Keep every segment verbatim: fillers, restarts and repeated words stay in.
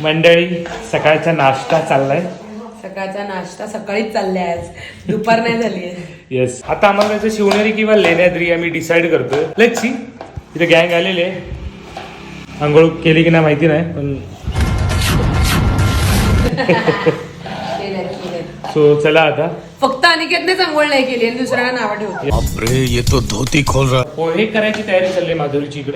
मंडळी सकाळचा नाश्ता चाललाय. सकाळचा नाश्ता सकाळीच चाललाय, आज दुपार नाही झाली आहे. येस, आता आम्हाला जायचं शिवनेरी किंवा लेण्याद्री आम्ही डिसाईड करतोय. Let's see. इथे गँग आलेली आहे. आंघोळ केली की नाही माहिती नाही, पण सो चला आता. फक्त अनिकेतनेच आंघोळ नाही केली आणि दुसऱ्याला नावं ठेवते. बापरे, ये तो धोती खोल रहा. पोहे करायची तयारी चालली माधुरीची इकडे.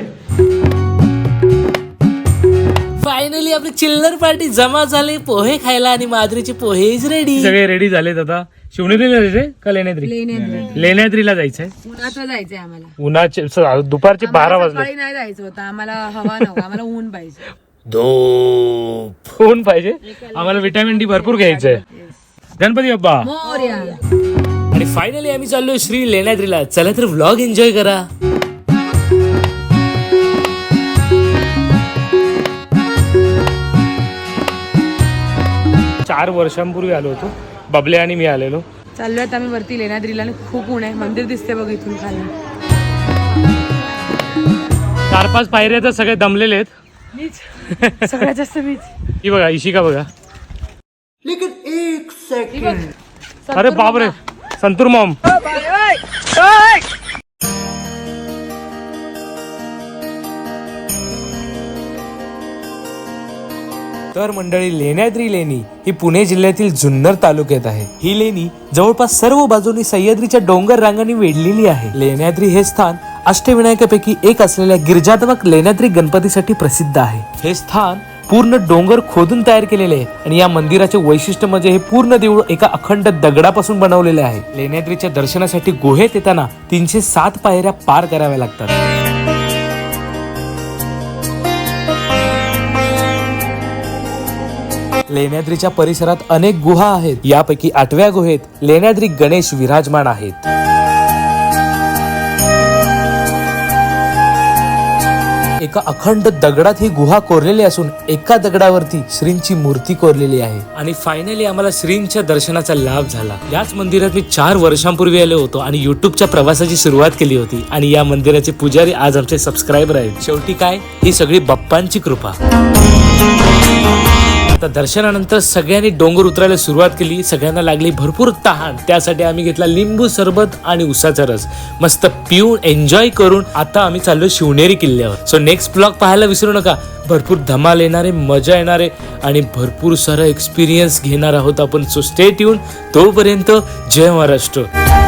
फायनली आपली चिल्लर पार्टी जमा झाली पोहे खायला आणि माधुरीचे पोहे इज रेडी. सगळे रेडी झालेत. आता शिवनेरीला जायचंय का लेण्याद्री? लेण्याद्रीला जायचंय. उन्हाचं जायचंय आम्हाला. उन्हाचे स- दुपारचे बारा वाजले. सकाळी नाही जायचं होतं आम्हाला, हवा नको आम्हाला, ऊन पाहिजे. धूप ऊन पाहिजे आम्हाला. विटॅमिन डी भरपूर घ्यायचंय. गणपती बाप्पा मोरया. आणि फायनली आम्ही चाललोय श्री लेण्याद्रीला. चला तर व्लॉग एन्जॉय करा. चार वर्षांपूर्वी आलो होतो, बबले आणि मी आलेलो. चाललोय आता आम्ही वरती लेण्याद्रीला आणि खूप ऊन आहे. मंदिर दिसते बघ इथून खाली. चार पाच पायऱ्या तर सगळे दमलेले आहेत. मीच सगळ्यात जास्त मीच. ही बघा इशिका बघा. ही बघ. अरे बापरे, संतूर मॉम. तर मंडळी, लेण्याद्री लेणी ही पुणे जिल्ह्यातील जुन्नर तालुक्यात आहे. ही लेणी जवळपास सर्व बाजूनी सह्याद्रीच्या डोंगर रांगांनी वेढलेली आहे. लेण्याद्री हे स्थान अष्टविनायकापैकी एक असलेल्या गिरिजात्मक लेण्याद्री गणपतीसाठी प्रसिद्ध आहे. हे स्थान पूर्ण डोंगर खोदून तयार केलेले आहे आणि या मंदिराचे वैशिष्ट्य म्हणजे हे पूर्ण देऊळ एका अखंड दगडापासून बनवलेले आहे. लेण्याद्रीच्या दर्शनासाठी गुहेत येताना तीनशे सात पायऱ्या पार कराव्या लागतात. लेण्याद्रीच्या परिसरात अनेक गुहा आहेत. यापैकी आठव्या गुहेत लेण्याद्री गणेश विराजमान आहेत. एका अखंड दगडात ही गुहा कोरलेली असून एका दगडावरती श्रींची मूर्ती कोरलेली आहे. आणि फायनली आम्हाला श्रींच्या दर्शनाचा लाभ झाला. याच मंदिरात मी चार वर्षांपूर्वी आलो होतो आणि युट्यूबच्या प्रवासाची सुरुवात केली होती. आणि या मंदिराचे पुजारी आज आमचे सबस्क्रायबर आहेत. शेवटी काय, ही सगळी बाप्पांची कृपा. आता दर्शनानंतर सगळ्यांनी डोंगर उतरायला सुरुवात केली. सगळ्यांना लागली भरपूर तहान. त्यासाठी आम्ही घेतला लिंबू सरबत आणि उसाचा रस. मस्त पिऊन एन्जॉय करून आता आम्ही चाललो शिवनेरी किल्ल्यावर. सो नेक्स्ट ब्लॉग पाहायला विसरू नका. भरपूर धमाल येणारे, मजा येणारे आणि भरपूर सारा एक्सपिरियन्स घेणार आहोत आपण. So stay tuned. तोपर्यंत जय महाराष्ट्र.